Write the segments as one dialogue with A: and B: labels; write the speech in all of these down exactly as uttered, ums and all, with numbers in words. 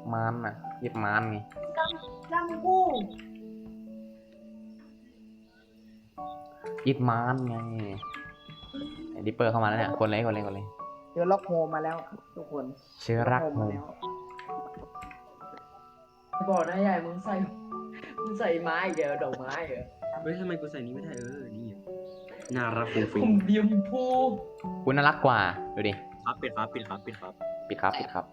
A: มานน่ะหยิบมานไง
B: จำกู
A: หยิบมานไงไอ้ดิปเปอร์เข้ามาแล้วเนี่ยคนเลยคนเลยคนเลย
B: เจอล็อกโฮมาแล้วทุกคน
A: เชื้อรักโฮม
B: บอกนะยายมึงใส่มึงใส่ไม้เดี๋ยวดอกไม้เหรอ
C: เฮ้ยทำไมกูใส่นี้ไม่ได้เออนี่น่ารักฟุ้ง
B: ผ
C: ฟิ้ง
B: มเดียมพู
A: คุณน่ารักกว่าดูดิ
C: ครับปิดครับปิดครับปิดครับ
A: ปิดครับปิดครับ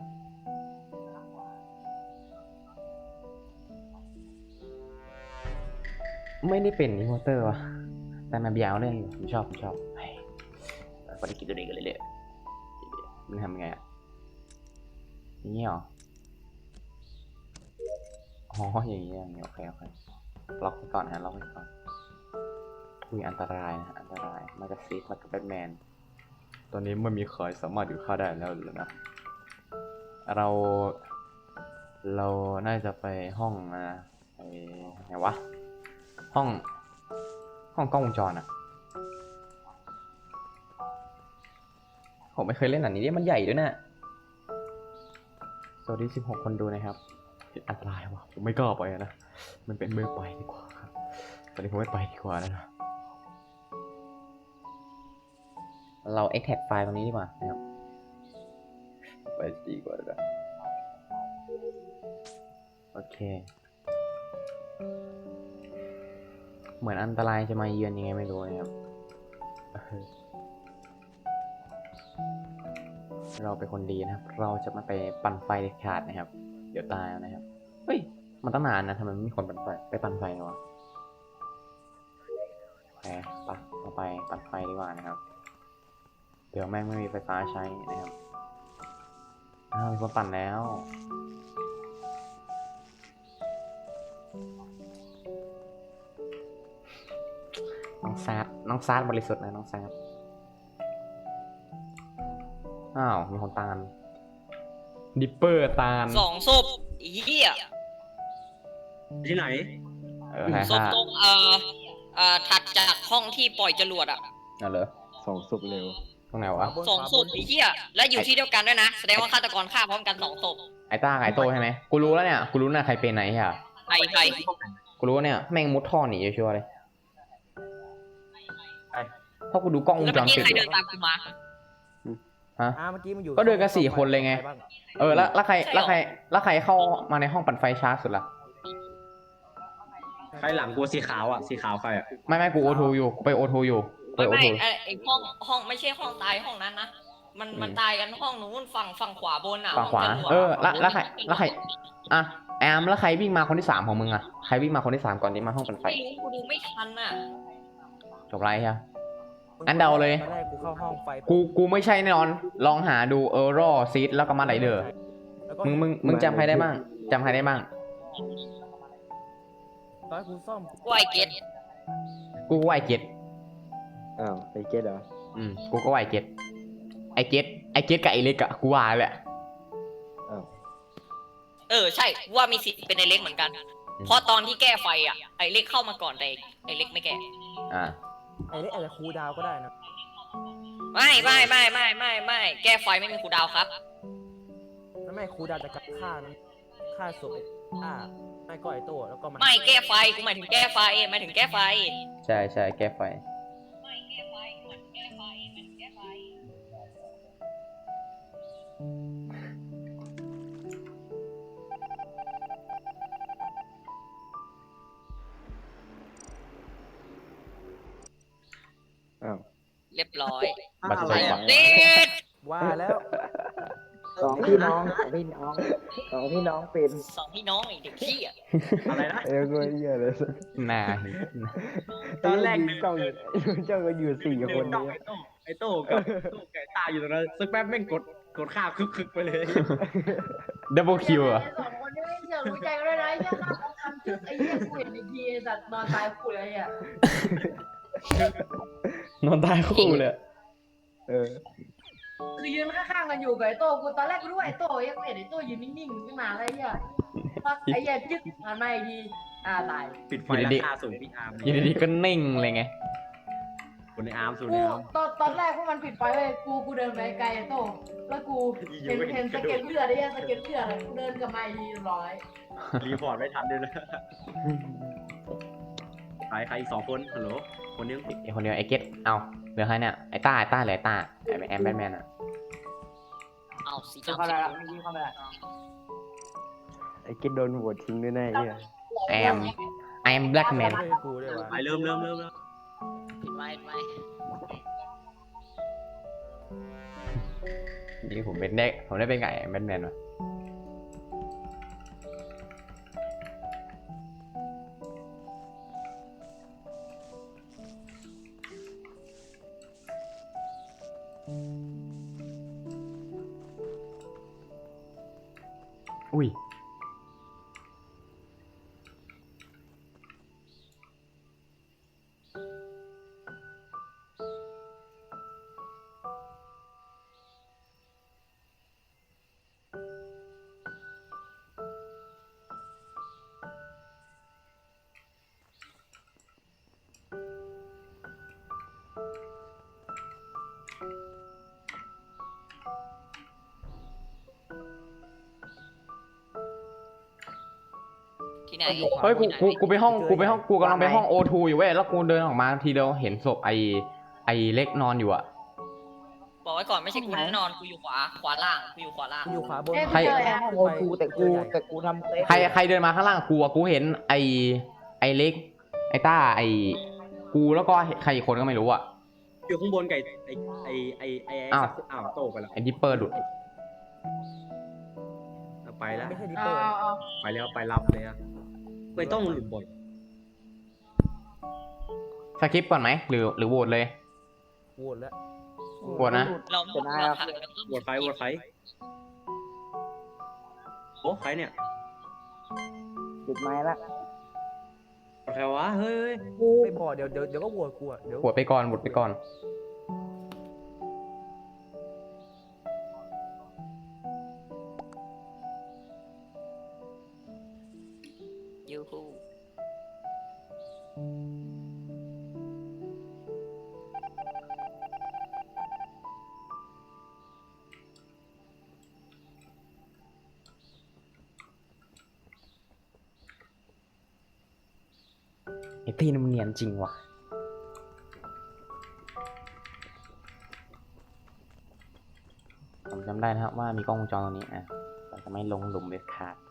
A: ไม่ได้เป็นอิมโมเตอร์วะแต่มันยาวเรื่องอยู่ผมชอบผมชอบปฏิกิริยาตัวนี้กันเลยเลยมันทำยังไงอ่ะอย่างนี้เหรออ๋ออย่างนี้อย่างนี้โอเคโอเคล็อกไว้ก่อนนะล็อกไว้ก่อนมีอันตรายนะอันตรายมาจากซีดมาจากแบทแมนตอนนี้มันมีใครสามารถอยู่ฆ่าได้แล้วหรือนะเราเราน่าจะไปห้องนะไอ้ไหนวะห้องห้องกล้องวงจรอะผมไม่เคยเล่นอันนี้เนี่ยมันใหญ่ด้วยนะสวัสดีสิบหกคนดูนะครับอันตรายวะผมไม่กล้าไปนะมันเป็นเมื่อไปดีกว่าครับตอนนี้ผมไม่ไปดีกว่านะเรา extract ไฟล์ตรงนี้ดีกว่านะครับไปดีกว่านะโอเคเหมือนอันตรายจะมาเยือนยังไงไม่รู้นะครับเราเป็นคนดีนะครับเราจะมาไปปั่นไฟเด็ดขาดนะครับเดี๋ยวตายนะครับเฮ้ยมันตั้งนานนะทำไมไม่มีคนปั่นไฟไปปั่นไฟเลยวะโอเคปะเราไปปั่นไฟดีกว่านะครับเดี๋ยวแม่งไม่มีไฟฟ้าใช้นะครับอ้าวมีคนปั่นแล้วน้องแซดน้องแซดบริสุทธิ์นะน้องแซดอ้าวมีคนตานดิปเปอร์ตาน
D: สองศพเหี้ย
C: ที่ไหน
A: เออใช่
D: ศพ
A: ค่ะ
D: ตรงเอ่อเอ่อถัดจากห้องที่ปล่อยจรวดอ่ะ
A: เอาเลย
E: สองศพเร็ว
A: ตรงไหนวะ
D: สองศพเหี้ยและอยู่ที่เดียวกันด้วยนะแสดงว่าฆาตกรฆ่าพร้อมกันสองศพ
A: ไอ้ต้ากับไอ้โตใช่ไหมกูรู้แล้วเนี่ยกูรู้นะใครเป็นไหนอ่ะ
D: ใครใคร
A: กูรู้เนี่ยแม่งมุดท่อหนีชัวร์เลยเพราะกูดูกล้องวง
D: แล้ว
A: จ
D: เมื่อ
A: ร
D: กี้
A: ปิด
D: ใคร
A: อยู่
D: เดินตามกูมา
A: ฮะ
E: อ่าเมื่อกี้มันอยู่
A: ก็เดินกันสี่คนเลยไง
E: บ้าง
A: เออแล้วแล้วใครแล้วใครแล้วใครเข้ามาในห้องปั่นไฟช้าสุดล่ะ
C: ใครหลังกูสีขาวอ่ะสีขาวใครอ่ะ
A: ไม่ไม่กูโอทูอยู่กูไปโอทูอยู่ไป
D: ไม่
A: โอ
D: ไม่
A: ทู
D: ไอ้ไอ้ห้องห้องไม่ใช่ห้องตายห้องนั้นนะมันมันตายกันห้องนู้นฝั่งฝั่งขวาบนอ่ะ
A: ฝั่งขวา
D: ห้จรด
A: เออแล้วแล้วใครแล้วใครอ่ะแอมแล้วใครวิ่งมาคนที่สามของมึงอ่ะใครวิ่งมาคนที่สามก่อนที่มาห้องปั่นไฟ
D: ไม่รู้กูดูไม่ทันอ่ะ
A: จบไรใช่ อันเดาเลย
E: ตอนแรกกูเข้าห้องไฟ
A: กูกูไม่ใช่แน่นอนลองหาดูเออรอซีดแล้วก็มาไหลเดอร์
E: แล้วก็
A: มึงมึงมึงจำใครได้บ้างจำใครได้บ้าง
E: ตอนกูซ่อม
D: กูไอเกต
A: กูก็ไอเจ็ด
E: อ้าวไอเก็ตเหรอ
A: อืมกูก็ไอเจ็ดไอเจ็ดไอเจ็ดกับไอเล็กอะกูว่าแหละ
E: อ้าว
D: เออใช่ว่ามีสิทธิ์เป็นไอเล็กเหมือนกัน เพราะตอนที่แก้ไฟอ่ะไอเล็กเข้ามาก่อนแต่ไอเล็กไม่แก้
A: อ่า
E: ไอเล็กอาจจะคูลดาวน์ก็ได้นะ
D: ไม่ไม่ไม่ไม่ไม่ไม่แก้ไฟไม่มีครูดาวครับ
E: แล้วไม่คูลดาวน์จากการฆ่านั้นฆ่าศพไอ้ฆ่าไม่ก็ไอโต้แล้วก็มัน
D: ไม่แก้ไฟกูหมายถึงแก้ไฟหมายถึงแก้ไฟ
A: ใช่ใช่แก้ไฟอ้าว
D: เรียบร้อย
A: บัตรประชาชน
D: เด็ด
E: ว่าแล้ว
B: สองพี่น้องสองพี่น้องสองพี่น้องเป็น
D: สองพี่น้องไอเด็กขี้อ่ะ
C: อะไรนะ
E: เออกูเหี้ยเลย
A: น่า
C: ตอนแรก
E: ยืนจ้องอยู่เจ้าก็อยู่สี่คน
C: จ้อง
E: นี้
C: ไอ้โต้ไอ้โต้กับโต้ไก่ตาอยู่ตรงนั้นสักแป๊บแม่งกดกดข้าวคึกๆไปเลย
A: ดับเบิลคิวอะ
B: สองคนนี้ไม่เชื่อรู้ใจกันด้วยนะไอ้เหี้ยฆ่าเขาทำไอ้เหี้ยกูเห็นอีกทีไอ้สัตว์นอนตายคู่เลยอ่ะ
A: นอนตายคู่เลยเออ
B: คือยืนข้างๆกันอยู่กับไอ้โต้กูตอนแรกกูรู้ว่าไอ้โต้ไอ้เห็นไอ้โต้ยืนนิ่งๆตั้งนานแล้วไอ้เหี้ยพักไอ้เหี้ยจึ๊กผ่านมาอีกทีอ่าตาย
C: ปิดไฟราคาสูงพี่อาร์ม
A: อยู่ดีๆก็นิ่งเลยไง
C: คนในอาร์มสูน
B: กู
C: ในอาร์ม
B: ตอนตอนแรกพวกมันปิดไฟเว้ยกูกูเดินไปไกลโต้แล้วกูเห็นเห็นสเก็ตเลือดไอ้เหี้ยสเก็ตเลือดอะกูเดินกลับมาอีกทีเรียบร้อย
C: รีพอร์ตไม่ทันด้วยนะใครใครอีกสองคนฮัลโหลคนนึง
A: ไอคนเดียวไอเก็ตเอาเหลือใครเนี่ยไอต้าไอต้าเหลือไอต้าไอแอมแบทแมนอะ
D: เอาสี
B: เข้า
D: ดำ
B: ไปแล้วไม่ยิงเข้าไปแล้ว
F: ไอ้กิดโดนโหวตทิ้งด้วยแน่เหี้ย
A: ไอแอมไอแอมแบล็กแมน
E: ไม่ใช่กูด้วยวะ
C: ไปเริ่มเริ่มเริ่มเริ่ม
D: ผิดไหมผิดไหม
A: นี่ผมเป็นได้ผมได้เป็นไก่แบทแมนวะอุ้ย
D: ที่ไหน
A: เฮ้ยกูกูกูไปห้องกูไปห้องกูกำลังไปห้องโอทูอยู่เว้ยแล้วกูเดินออกมาทีเดียวเห็นศพไอไอเล็กนอนอยู่อะ
D: บอกไว้ก่อนไม่ใช่กูแน่นอนกูอยู่ขวาขวาล่างกูอยู่ขวาล่าง
E: กูอยู่ขวาบน
A: ใคร
F: ห้องโอทูแต่กูแต่กูทำเซฟ
A: ใครใครเดินมาข้างล่างกูอะกูเห็นไอไอเล็กไอต้าไอกูแล้วก็ใครอีกคนก็ไม่รู้อะ
C: อยู่ข้างบนไก่ไอไอไอไอ
A: อ้าว
C: อ้าวโตไปแล้ว
A: ไอดิปเปอร์หลุด
C: ไปแล้ว
E: ไม่ใช่ดิ
B: เอา
E: เปอร์
B: เอาเอา
C: ไปแล้วไปรับเลยอะไม่ต้องหลุดบ่อย
A: สคริปต์ก่อนไหมหรือหรือโหวตเลย
E: โหวตแล้ว
A: โหวตนะ
D: เรา
F: เป็นไง
D: เรา
F: ครับ
D: ผ่านแล้ว
C: โหวตใครโหวตใครโอ้ใครเนี่ย
F: ปิดไม้ละ
C: โหวตใครวะเฮ้ยเฮ้ย
E: ไม่บอกเดี๋ยวเดี๋ยวเดี๋ยวก็โหวตกูอ่ะเดี๋ยว
A: โหวตไปก่อนโหวตไปก่อน
D: ยูฮู
A: ไอตีนมันเนียนจริงว่ะผมจำได้นะครับว่ามีกล้องวงจรตรงนี้อ่ะเราจะไม่ลงหลุมเด็ดขาด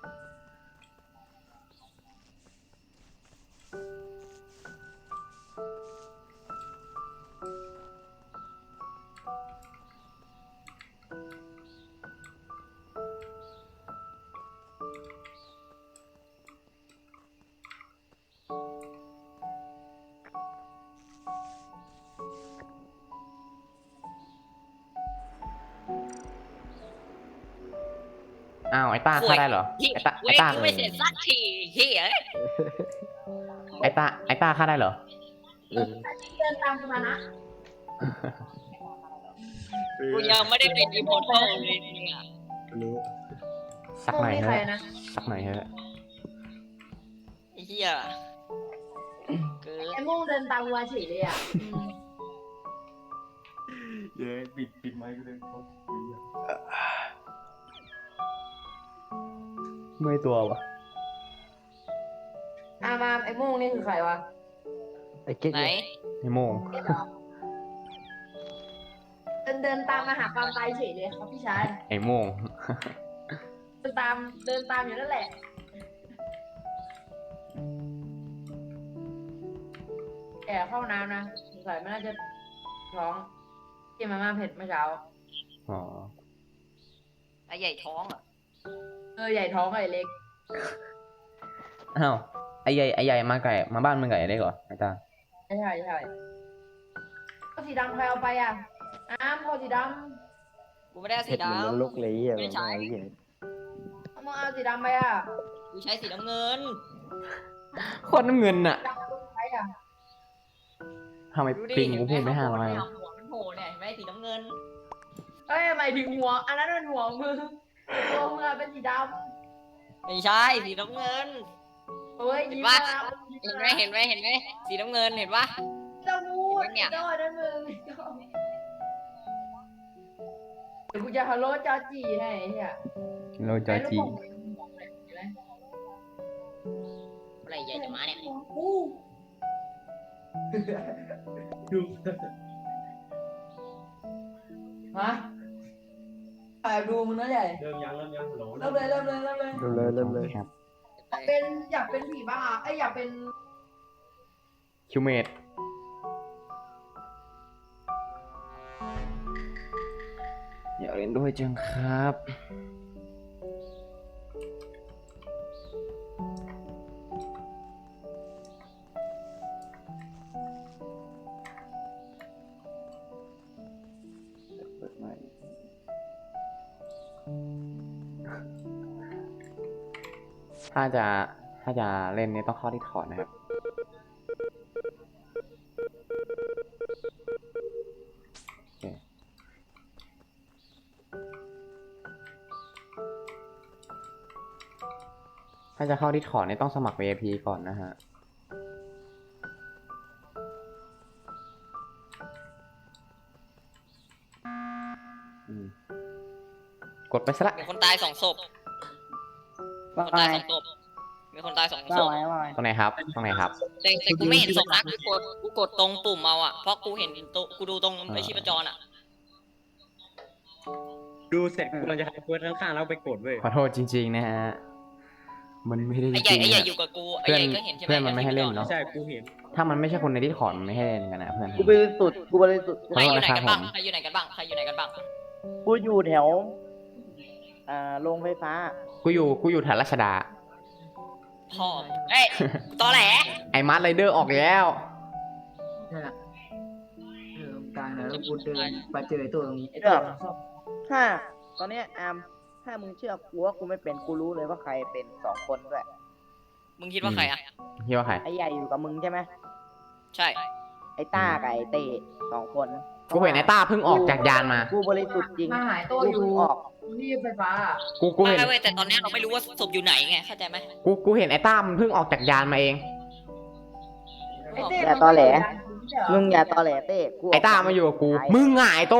A: อ้าวไอ้ต้าฆ่าได้เหรอ
D: ที่
A: ไอ้ต้า
D: เว
A: ไอ้
D: ท
A: ต้า
D: กูไม่เสร็จสักทีเฮีย
A: ไอ้ต้าไอ้ต้าฆ่าได้เหรอ
F: เออ
B: เดินตามกูมานะ
D: กูยังไม่ได้เป็นอีโมโต้เลยเนี่ย
C: รู้
A: สักหน่อย
B: นี่
A: เถ
B: ใคร
A: อะ
B: นะ
A: สักหน่อยเถอะ
D: ไอ้เฮียเกิน
B: ไอ้มุ่งเดินตามกูมาเฉยเลยอ่ะอืม
C: เย้ปิดปิดไมค์กูเลย
A: เมื่อยตัววะ
B: อ่ะมาไอ้มุ่งนี่คือใครวะ
F: ไอ้กิด
D: ไหน
A: ไอ้โมง
B: เดินเดินตามมาหาความตายเฉยเลยครับพี่ชาย
A: ไอ้โมง
B: เดินตามเดินตามอยู่นั่นแหละแก่เข้าน้ำนะสงสัยมันน่าจะท้องกินมาม่าเผ็ดเมื่อเช้า
A: อ๋อ
D: ไอ้ใหญ่ท้องอ่ะ
B: เออใหญ่ท้องไอ้เล็ก
A: อ้าวไอ้ใหญ่ไอ้ใหญ่มาไก่มาบ้านมึงไก่ได้เหรอไอ้ตา
B: ใช่ใช่ใช่เอาสีดำใครเอาไปอ่ะอ้ามเอาสีด
D: กูไม่ได้เอา
F: เผ็
D: สี
F: ดเหมือน
D: ดำ
F: ลุกเลยเหี้ย
D: ไม่ใช่
F: ไอ้เหี้ย
B: ำเอามึงเอาสีดำไปอ่ะ
D: กูใช้สีน้ำเงิน
A: โคตรน้ำเงินน่ะ
B: ดำเอาไปอ่ะ
A: ทำไม
D: ดูดิ
A: ปิง
D: เห็น
A: กู
D: ไหม
A: พูดไม่ห้าร้อย
D: หัวมันโผล่เนี่ยเห็นไหมสีน้ำเงิน
B: เอ้ยหมายถึงหัว อันนั้นเป็นหัวมึงตัวมึงอะเป็นสีด
D: ไม่ใช่สีน้ำเงิน
B: ำเฮ้ย
D: เห็น
B: ยิ้ม
D: ปะ
B: นะ
D: เห็นไหมเห็นไหมเห็นไหมสีน้ำเงินเห็นปะ
B: จะพูดไอ้โต้นั่นมึงเดี๋ยวกูจะฮัลโหลจอจีให้ไอ้เหี้ย
A: โลจอจี
D: อะไรใหญ่จะมาเนี่ย
C: ดู
B: มาถ่ายดูมึงนะใหญ่
C: เริ่มยังเริ่มยังฮัลโหล
B: เริ่มเลยเริ่มเลยเริ่มเลย
F: เริ่มเลยเริ่มเลย
A: ครับ
B: เป็นอยากเป็นผีบ้าไอยอยากเป็น
A: คิวเมดอยากเล่นด้วยจังครับ เปิดใหม่ถ้าจะถ้าจะเล่นนี้ต้องเข้าที่ถอดนะครับ โอเค ถ้าจะเข้าที่ถอดเนี่ยต้องสมัคร วี ไอ พี ก่อนนะฮะ อืม กดไปซะละ
D: มีคนตายสองศพมีคนตายสองศพมีคนตายสองศพ
A: ตรงไหนครับ ตรงไหนครับ
D: แต่แต่กูไม่เห็นศพนะกูกดกูกดตรงปุ่มเอาอ่ะเพราะกูเห็นตัวกูดูตรงไอชีพจรอ่ะ
C: ดูเสร็จกูเราจะทำเพื่อนข้างๆแล้วไปกดเว้ย
A: ขอโทษจริง ๆ นะฮะ มันไม่ได้จ
D: ไอ้ใหญ่
A: ริง
D: ไอ้
A: ๆ
D: ใหญ่
A: อะ
D: อยู่กับกูไอ้
A: เพื่อน
D: ใหญ่ก็เห็นใช่ไหม
A: เพื่อนมันไม่ให้เล่นเนาะ
C: ใช่กูเห็น
A: ถ้ามันไม่ใช่คนในที่ถอดมันไม่ให้เล่นกันนะเพื่อน
G: กูบริสุทธิ์กูบริสุทธิ์
D: ใครอยู่ไหนกันบ้างใครอยู่ไหนกันบ้างใครอยู่ไหนกันบ้าง
G: กูอยู่แถวอ่าโรงไฟฟ้า
A: กูอยู่ กูอยู่แถวรัชดา
D: พ่อเอ้ยตอแหล
A: ไอ้มาร์ทไรเดอร์ออกแล้ว
B: เนี่ยเออตายแล้วกูเดินไปเจอไอ้ตัวตรงนี้ไอ้
G: เลื
B: ตัว
G: อกถ้าตอนเนี้ยอามถ้ามึงเชื่อกูว่ากูไม่เป็นกูรู้เลยว่าใครเป็นสองคนด้วย
D: มึงคิดว่าใครอ่ะ
A: คิดว่าใคร
G: ไอ้ใหญ่อยู่กับมึงใช่ไหม
D: ใช่
G: ไอ้ต้ากับไอ้เต้สองคน
A: กูเห็นไอ้ต้าเพิ่งออกจากยานมา
G: กูบริสุทธิ์จริง
B: มาหายตัว
G: กู
B: อยู่
G: เพิ่งออก
B: ที่ไฟฟ้า
A: กู กู
D: ไม่
A: เห็น
D: ไม่เว้ยแต่ตอนนี้เราไม่รู้ว่าศพอยู่ไหนไงเข้าใจไหม
A: กู กูเห็นไอ้ต้ามันเพิ่งออกจากยานมาเอง
B: ไอ้เต้
G: อย่าตอแหล
B: มึ
G: มึ
B: ง
G: งอย่าตอแหลเต้กู
A: ไอ้ต้ามาอยู่กับกู มึงอ่ะไอ้โต้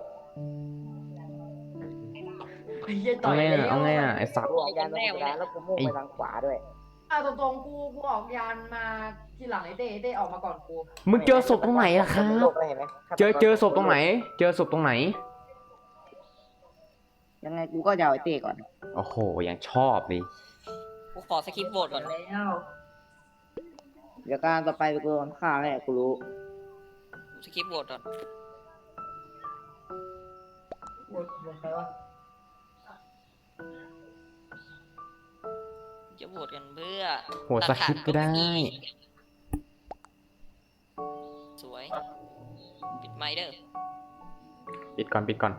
B: ไอ้เหี้ยต่
A: เอา
B: อย
A: ไง
B: แล้ว
A: อ่ะ เอาไงอ่ะ ไอ้สัตว์
G: กูออกยานตรงกลางแล้วกูมุ่งไปทางขวาด้วย
B: เอาตรงๆกูกูออกยานมาทีหลังไอ้เต้ไอ้เต้ออกมาก่อนกู
A: มึงเจอศพตรงไหนล่ะครับ เจอ เจอศพตรงไหน เจอศพตรงไหน
G: ยังไงกูก็จะเอาไอ้เต้ก่อน
A: โอ้โห ยังชอบเลย
D: กูขอสคริปต์โหวตก่อน
B: แล้ว
G: เดี๋ยวการต่อไปกูโดนฆ่าแน่กูรู้
D: สคริปต์โหวตก่อน
B: หมดหมดใครวะ
D: จะโหวตกันเพื่อ
A: โหวตสคริปต์ก็ได้
D: สวยปิดไมค์เด้อ
A: ปิดก่อน ปิดก่อน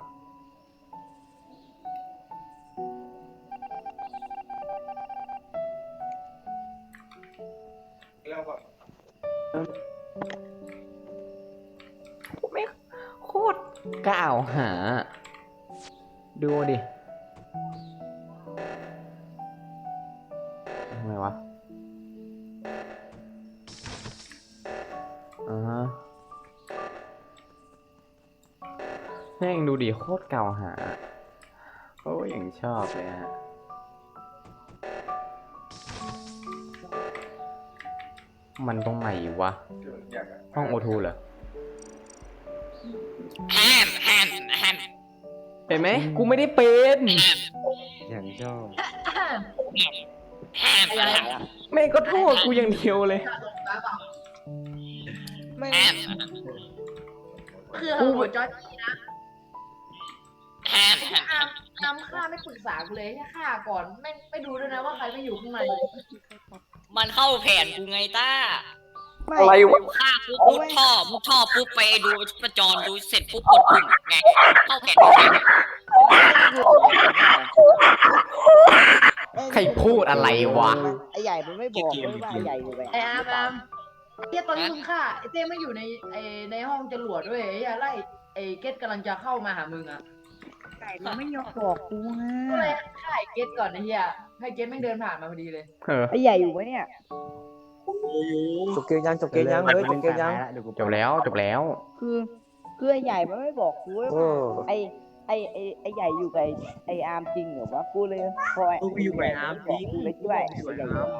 A: ไม่โคตรกล่าวหา ดูดิทำไมวะอ่าฮะแม่งดูดิโคตรกล่าวหา โอ้ยอย่างชอบเลยฮะ มันตรงไหนวะ ห้องโอทูเหรอ
D: แฮมแฮมแฮม
A: เป็นไหม กูไม่ได้เป็น
F: อย่างชอบ
D: แฮมแฮม
A: แม่งก็โทษกูอย่างเดียวเลย
G: ไม่
D: แฮม
B: คือหัวจอยจีนะ
D: แฮมแฮม
B: อามอามฆ่าไม่ปรึกษากูเลยแค่ฆ่าก่อนไม่ไม่ดูด้วยนะว่าใครไม่อยู่ข้างใน
D: มันเข้าแผนกูไงต้า
A: อะไรวะ
D: ฆ่าปุ๊บมุดท่อมุดท่อปุ๊บไปดูประจรดูเสร็จปุ๊บกดปุ่มไงเข้าแผนกูไง
A: ใครพูดอะไรวะ
G: ไอ้ใหญ่มันไม่บอกเลยว่าไอ้ใหญ่อยู่ไหน
B: ไอ้อามอามไอ้เต้ตอนที่มึงฆ่าไอ้เต้ไม่อยู่ในไอ้ในห้องจรวดด้วยไอ้เหี้ยไล่ไอ้เกตกำลังจะเข้ามาหามึงอ่ะ
G: ไก่มันไม่ยอมบอกกูไง
B: ก็เลยฆ่าไอ้เกตก่อนไอ้เหี้ยให้เกตแม่งเดินผ่านมาพอดีเลย
A: เออ
G: ไอ้ใหญ่อยู่ไหมเนี่ย
B: กู
E: จบเกมยังจบเกมยังเฮ้ยจบเกมยัง
F: เดี๋ยวกู
A: จบแล้วจบแล้ว
G: คือคือไอ้ใหญ่มันไม่บอกกูว่า
E: โอ้
G: ไอ้ไอ้ไอ้ไอ้ใหญ่อยู่กับไอ้ไอ้อาร์มจริงเหรอวะกูเลยพอไอ้
C: กูอยู่กับไอ้อาร์มจริง
G: กูเลยคิดว่าไอ้
C: กูอยู่
G: ใหญ่
C: กับ
G: อ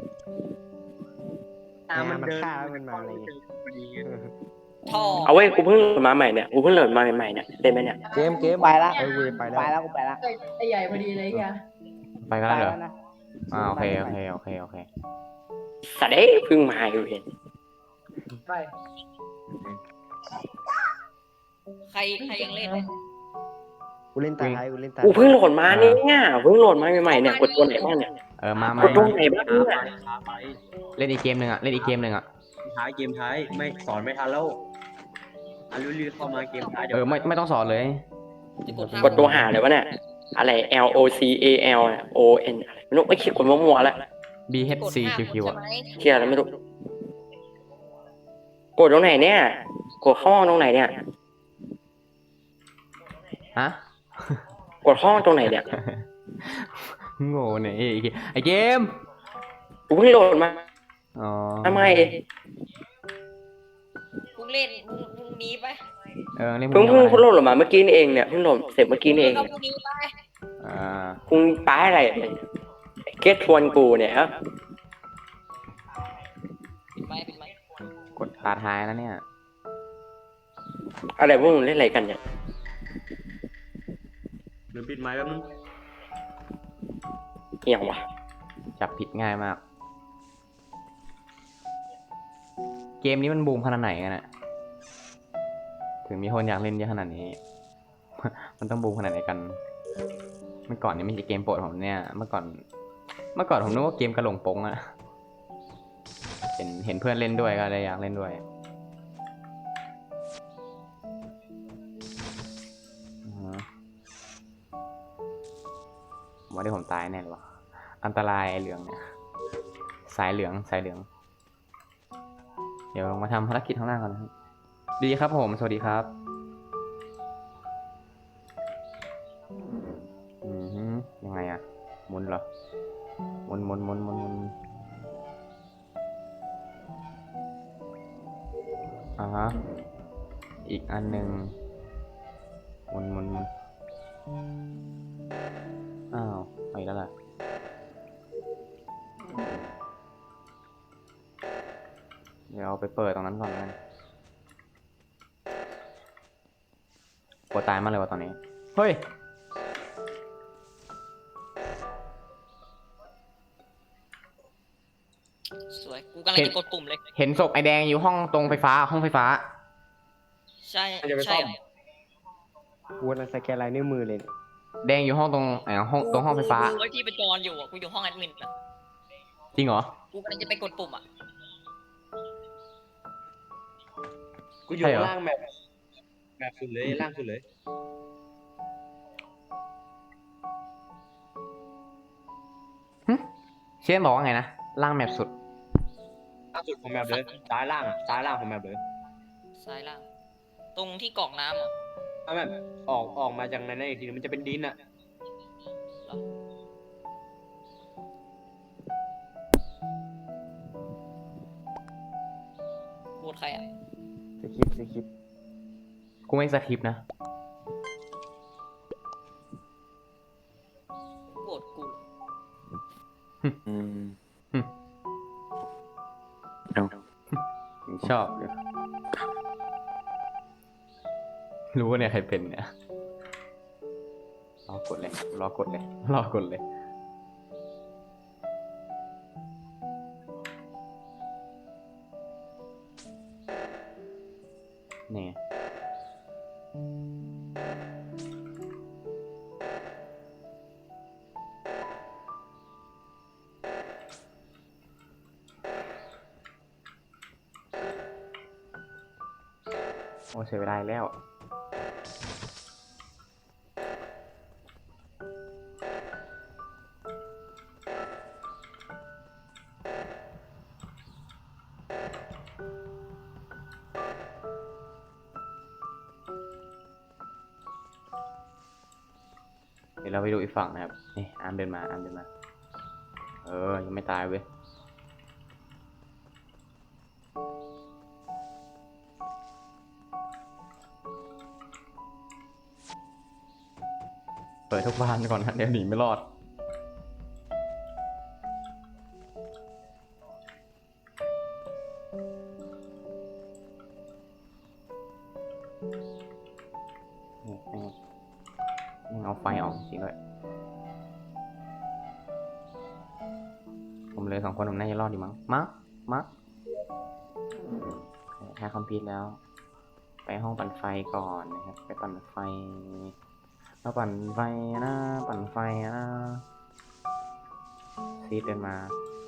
C: ไอ้
G: ยู่
C: อา
G: กับอาร์ม
C: ร์มอาร์มมันเดิน
F: ฆ่าแล้วมันมาอะไรเงี้ย
C: พอดีไง
D: ท่อ
H: เอาเว้ยกูเพิ่งโหลดมาใหม่เนี่ยกูเพิ่งโหลดมาใหม่ๆเนี่ยได้ไหมเนี่ย
E: เกมเกม
G: ไปละ
F: เออกูไป
G: ไป
F: แล้ว
G: แล้วกูไปละ
B: ไอ้ไอ้ใหญ่พอดีเลยไอ้เฮีย
A: ไปกันแล้วเหรอ
G: นะ
A: อ่าโอเคโอเคโอเคโอเค
H: สัตว์เอ้ยเพิ่งมาอยู่เห็น
B: ไป
D: ใครใครยังเล่นเลย
F: กูเล่นตาท้ายกูเล่นตา
H: กูเพิ่งโหลดมาเนี่ยเพิ่งโหลดมาใหม่ๆเนี่ยกดตัวไหนบ้างเนี่ย
A: เออมาก มาก
H: ดตรงไหนบ้าง
C: ช้า
H: เนี่ย
C: ไปช้าไป
A: เล่นอีกเกมหนึ่งอ่ะเล่นอีกเกมหนึ่งอ่ะ
C: ท้ายเกมท้ายไม่สอนไม่ทันแล้วอารุลีเข้ามาเกมท้ายเดี๋ย
A: เอ
C: ว
A: อไม่ไม่ต้องสอนเลย
D: จะกดห้าก
H: ดตัวหาเลยวะเนี่ยอะไร L O C A L O N ไม่รู้ไม่คิดกดมั่วๆแล้ว
A: B H
D: กด
A: C
D: ห้า
A: Q Q
D: ใช่
A: อ่ะ
D: ไหม
H: เที่ยแล้วไม่รู้กดตรงไหนเนี่ยกดห้องตรงไหนเนี่ย
A: ฮะ
H: กดห้องตรงไหนเนี่ย
A: โง่เนี่ยไอ้เกมไอ้เกม
H: กูเพิ่งโหลดมา
A: อ๋อ
H: ทำไม
D: พรุ่งเล่นพรุ่งพรุ่งนี้ไป
A: เออเล่น
H: เพิ่ง
A: พ
H: เพิ่ง
A: รุ่
H: เพิ่งโหลดมาเมื่อกี้นี่เองเนี่ยเพิ่งโหลดเสร็จเมื่อกี้นี่เอง
D: ก็
H: เนี่ย
D: พรุ่งนี้ไป
A: อ่า
H: คุณป้าอะไรเก็ตชวนกูเนี่ยครับ
D: ปิดไม้ปิดไม้
A: กดตาท้ายแล้วเนี่ย
H: อะไรพวกมึงเล่นอะไรกันเนี่ย
C: หรือปิดไม้แป๊บนึง
H: เอี่ยงวะ
A: จับผิดง่ายมาก เกมนี้มันบูมขนาดไหนกันอะถึงมีคนอยากเล่นเยอะขนาดนี้ มันต้องบูมขนาดไหนกัน เมื่อก่อนนี่ไม่ใช่เกมโปรดผมเนี่ย เมื่อก่อน เมื่อก่อนผมนึกว่าเกมกระหลงปงอะเห็นเห็นเพื่อนเล่นด้วยก็เลยอยากเล่นด้วยอือฮะผมว่าที่ผมตายแน่เลยวะอันตรายไอ้เหลืองเนี่ย สายเหลืองสายเหลือง เดี๋ยวลงมาทำภารกิจข้างล่างก่อนนะครับ ดีครับผม สวัสดีครับ อือฮึยังไงอะหมุนเหรอหมุนหมุนหมุนหมุนหมุนอ่าฮะ อีกอันหนึ่งหมุนหมุนหมุนอ้าวไปแล้วล่ะ เดี๋ยวเอาไปเปิดตรงนั้นก่อนแล้วกันปวดตายมากเลยว่ะตอนนี้ เฮ้ย
D: สวยกูกำลังจะกดปุ่มเลย
A: เห็นศพไอแดงอยู่ห้องตรงไฟฟ้าห้องไฟฟ้า
D: ใช่
C: จะไป
D: ใช่
C: ซ่อม
D: เหรอ
F: กูกำลังสแกนลายนิ้วมือเลยเนี่ย
A: แดงอยู่ห้องตรงไอห้องตรงห้องไฟฟ้า
D: กูไว้ที่ประจรอยู่อะกูอยู่ห้องแอดมินอะ
A: จริงเหรอ
D: กูกำลังจะไปกดปุ่มอ่ะ
C: กูอยู่
A: ใช่เหรอ
C: ล่างแบบแบบสุดเลยล่างสุดเลย
A: เชนบอกว่าไงนะ ล่างแมปสุด
C: ล่างสุดของแมปเลยซ้ายล่างอ่ะซ้ายล่างของแมปเลย
D: ซ้ายล่าง ตรงที่กรอกน้ำเหรอ
C: ถ้าแบบออกออกมาจากในนั้นอีกทีนึงมันจะเป็นดินอ่ะ
D: พูดใครอ่ะ
F: สคริปต์สคริปต์
A: กูไม่สคริปต์นะ
D: โกรธกู
H: อืม
A: ชอบอยู่รู้ว่าเนี่ยใครเป็นเนี่ย รอกดเลย รอกดเลย รอกดเลย นี่ไงโอ้เสียเวลาอีกแล้ว เดี๋ยวเราไปดูอีกฝั่งนะครับ นี่อาร์มเดินมาอาร์มเดินมา เออ ยังไม่ตายเว้ยปิดทุกบ้านก่อนนะเดี๋ยวหนีไม่รอดนี่นี่นี่เอาไฟออกจริงด้วยผมเลยสองคนผมน่าจะรอดดีมั้งมั้งมั้งแค่คอมพิวต์แล้ว ไปห้องปั่นไฟก่อนนะครับ ไปปั่นไฟมาปั่นไฟนะ ปั่นไฟนะซีดเดินมา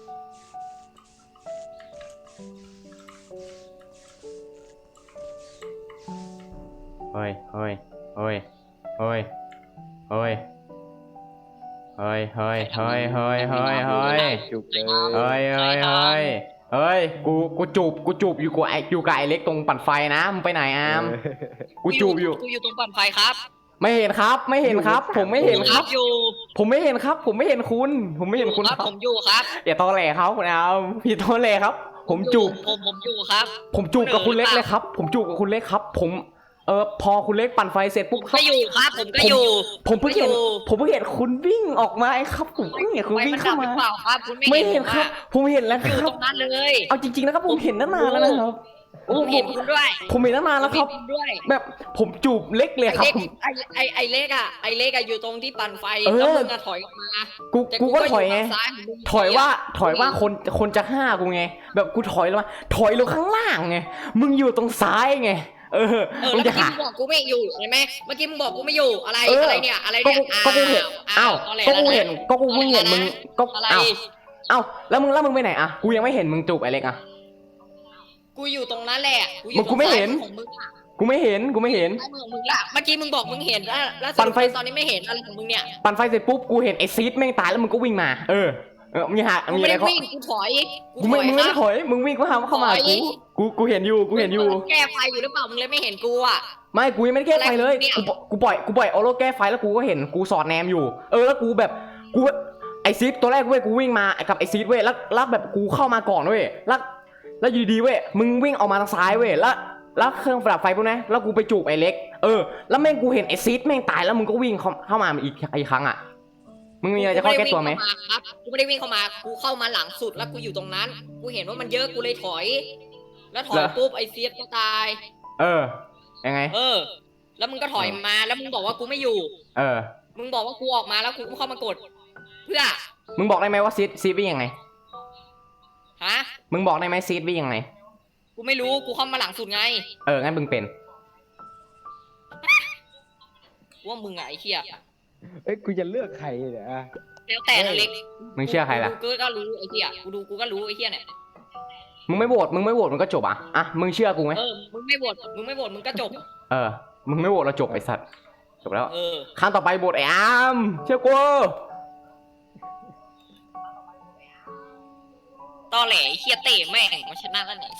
A: เฮ้ย เฮ้ย เฮ้ย เฮ้ย เฮ้ย เฮ้ย เฮ้ย เฮ้ย เฮ้ย เฮ้ย เฮ้ย
F: จุกเลย
A: เฮ้ย เฮ้ย เฮ้ย เฮ้ย กู กูจูบ กูจูบอยู่กูไออยู่กับไอเล็กตรงปั่นไฟนะ มึงไปไหนอาม กูจูบอยู่
D: กูอยู่ตรงปั่นไฟครับ
A: ไม่เห็นครับ ไม่เห็นครับ ผมไม่เห็นครับ
D: อยู่
A: ผมไม่เห็นครับ ผมไม่เห็นคุณ ผมไม่เห็นคุณ
D: ค
A: ค
D: รั
A: รั
D: บบ ผมอยู่ครับ
A: อย่าตอแหลเขาคุณอามอย่าตอแหลครับ ผมจูบ
D: ผมผมอยู่ครับ
A: ผมจูบกับคุณเล็กเลยครับ ผมจูบกับคุณเล็กครับ ผม เออพอคุณเล็กปั่นไฟเสร็จปุ๊บ
D: ก็อยู่ครับ ผมก็อยู่
A: ผมเพิ่งเห็น
D: ก็อยู่
A: ผมเพิ่งเห็นคุณวิ่งออกมาไอ้ครับ ผมเพิ่งเห็นคุณ
D: ไฟ
A: วิ่ง
D: มันดั
A: เข้า
D: บห
A: มา
D: รือเปล่าครับ คุณไม่
A: ไม่
D: เห็น
A: เห็นครับ
D: อะ
A: ผมเห็นแล้ว
D: อ
A: ค
D: ยู่
A: รั
D: ต
A: บ
D: รงนั้นเลย
A: เอาจริงๆนะครับ ผมเห็นตั้งนานแล้วนะครับ
D: ผมเห็นคุณด้วย
A: ผมเห็นตั้งนานแล้วครับ
D: ผมเห็นคุณด้วย
A: แบบผมจูบเล็กเลย
D: ไอ
A: ครับ
D: เล็ก
A: ผม
D: ไอไอไอเล็กอะไอเล็กอะอยู่ตรงที่ปั่นไฟ
A: เออ
D: แล้วมึงอะถอยออกมา
A: กู
D: แต่
A: กูก็ถอยไง
D: ฝั่ซ้าขงมึง
A: ถอยว่าถอยว่าคนคนจะฆ่ากูไง แบบกูถอยลงมาถอยลงข้างล่างไง มึงอยู่ตรงซ้ายไง เออ
D: เออ
A: มึ
D: แล้ว
A: ง
D: เมื่
A: จะ
D: อกี้
A: หา
D: มึงบอกกูไม่อยู่เห็นไหมเมื่อกี้มึงบอกกูไม่อยู่อะไร
A: เอออ
D: อะไรเนี่ยอะไร
A: ก็
D: เนี่ย
A: กูก็กูเห็นอ้าว
D: ตอแหล
A: ก็กู
D: แล้วะ
A: เห็นก็กูเพิ่งเห็นมึงก็
D: อะไร
A: อ้าวอ้าวแล้วมึงแล้วมึงไปไหนอะกูยังไม่เห็นมึงจูบไอ้เล็กอะ
D: กูอยู่ตรงนั้นแหละกูอ
A: มึ
D: ยู่
A: ง
D: ต
A: กู
D: รง
A: ไม่
D: ซ้าย
A: เห็น
D: ของมึงอะ
A: กูไม่เห็นกูไม่เห็น
D: ซ้ายมือของมึงละเมื่อกี้มึงบอกมึงเห็นแล้วแล้ว
A: ปั่นไฟ
D: ตอนนี้ไม่เห็นอะไรของมึงเนี่ย
A: ปั่นไฟเสร็จปุ๊บกูเห็นไอ้ซีดแม่งตายแล้วมึงก็วิ่งมา เออเออมีหา
D: กู
A: มี
D: ไม่
A: อะไร
D: ได้
A: เขา
D: วิ่งกูถอย
A: กูไม่มึงไม่
D: ค
A: ได้
D: รับ
A: ถอยมึงวิ่งเข้ามาเข้ามา
D: ถอย
A: กูกูกูเห็นอยู่กูเห็นอยู่
D: มึงแก้ไฟอยู่หรือเปล่ามึงเลยไม่เห็นกูอะ
A: ไม่กูยังไม่ได้แก้ไฟเลย
D: อะไรของมึงเนี่ย
A: กูปกูปล่อยกูปล่อยออโร่แก้ไฟแล้วกูก็เห็นกูสอดแนมอยู่ เออแล้วกูแบบกูไอซีดตัวแรกเว้ยกูวิ่งมากับไอซีดเว้ยแล้วแล้วแบบกูเข้ามาก่อนเว้ยแล้วแล้วอยู่ดีเว้ยมึงวิ่งออกมาทางซ้ายเว้ยแล้วแล้วเครื่องดับไฟพวกนั้นแล้วกูไปจูบไอเล็กเออแล้วแม่งกูเห็นไอซีดแม่งตายแล้วมึงก็วิ่งเข้าเข้ามาอีกอีกครั้งอ่ะมึงมีอะไรจะเข้าแก้ตัวไหม
D: กูไม่ได้วิ่งเข้ามาครับกูไม่ได้วิ่งเข้ามากูเข้ามาหลังสุดแล้วกูอยู่ตรงนั้น กูเห็นว่ามันเยอะกูเลยถอย แล้วถอยปุ๊บไอเซียสก็ตาย
A: เออยังไง
D: เออ แล้วมึงก็ถอยมาแล้วมึงบอกว่ากูไม่อยู่
A: เออ
D: มึงบอกว่ากูออกมาแล้วกูก็เข้ามากด เพื่อ
A: มึงบอกได้ไหมว่าซีดซีดวิ่งยังไง
D: ฮะ
A: มึงบอกได้ไหมซีดวิ่งยังไง
D: กูไม่รู้กูเข้ามาหลังสุดไง
A: เอองั้นมึงเป็น
D: ว่ามึงอะไอ้เหี้ย
F: เอ้ยกูจะเลือกใครเนี่ยอะ
D: แล้วแต่นะเล็ก
A: มึงเชื่อใครล่ะ
D: กูก็รู้ไอ้เหี้ยกูดูกูก็รู้ไอ้เหี้ยเนี่ย
A: มึงไม่โหวตมึงไม่โหวตมันก็จบอ่ะอ่ะมึงเชื่อกูไหม
D: เออมึงไม่โหวตมึงไม่โหวตมึงก็จบ
A: เออมึงไม่โหวตเราจบไอ้สัตว์จบแล้ว
D: เออ
A: ครั้งต่อไปโหวตไอ้อามเชื่อกู
D: ตอแหลไอ้เหี้ยเตะแม่งมาชนะแล้วเนี่ย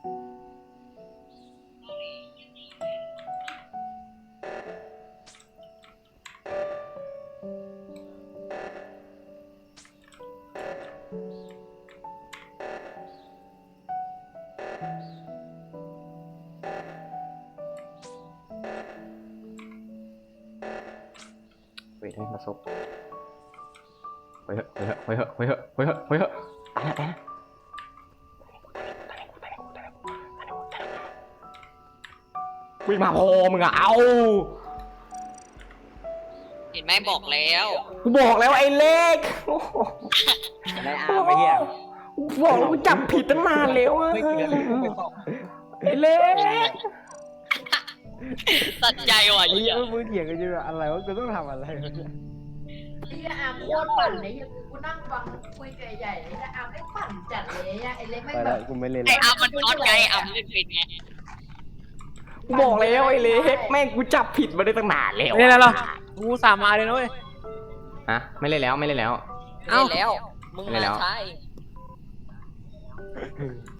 A: เฮ้ยให้มาซบเฮ้ยเฮ้ยเฮ้ยเฮ้ยเฮ้ยเฮ้ยเฮ้ยตายแล้วตายแล้ววิ่งมาพอมึงอะเอา
D: เห็นไหมบอกแล้ว
A: กูบอกแล้วไอ้เล็ก
C: ได้อาร์มไอ้เหี้ย
A: กูบอกแล้วกูจับผิดตั้งนานแล้วอะ
C: ไม่เกี่ยวเลยไม่บอก
A: ไอ้เล็ก
D: ตัดใจว่ะ
F: ไอ้
D: ไอ้
F: เหี้
D: เหี้
F: ย
D: ย
F: มึงเถียงกันอยู่อะไรวะกูต้องทำอะไรวะเนี่ย
B: ไอ้เหี้ยอามโคตรปั่นเลยเหี้ยกูนั่งฟังคุยกับไอ้ใหญ่เลยแต่อามไม่ปั่นจัดเลยอะไอ้เล็กไม่
F: ไป
B: แบ
F: ละ
B: บ
F: กูไม่เล่น
D: ไอ้
F: ละ
D: อาร์มมันช็อตไงอาร์มเล่นเป็นไง
A: กูบอกแล้วไอ้เล็กแม่งกูจับผิดมาได้ตั้งนานแล้ว
E: ไม่เล่นแล้วเหรอ กูสามมาเลยนะเว้ย
A: อะไม่เล่นแล้วไม่เล่นแล้ว
D: เล่นแล้ว มึง
A: เล่นแล้
D: มาว ใช่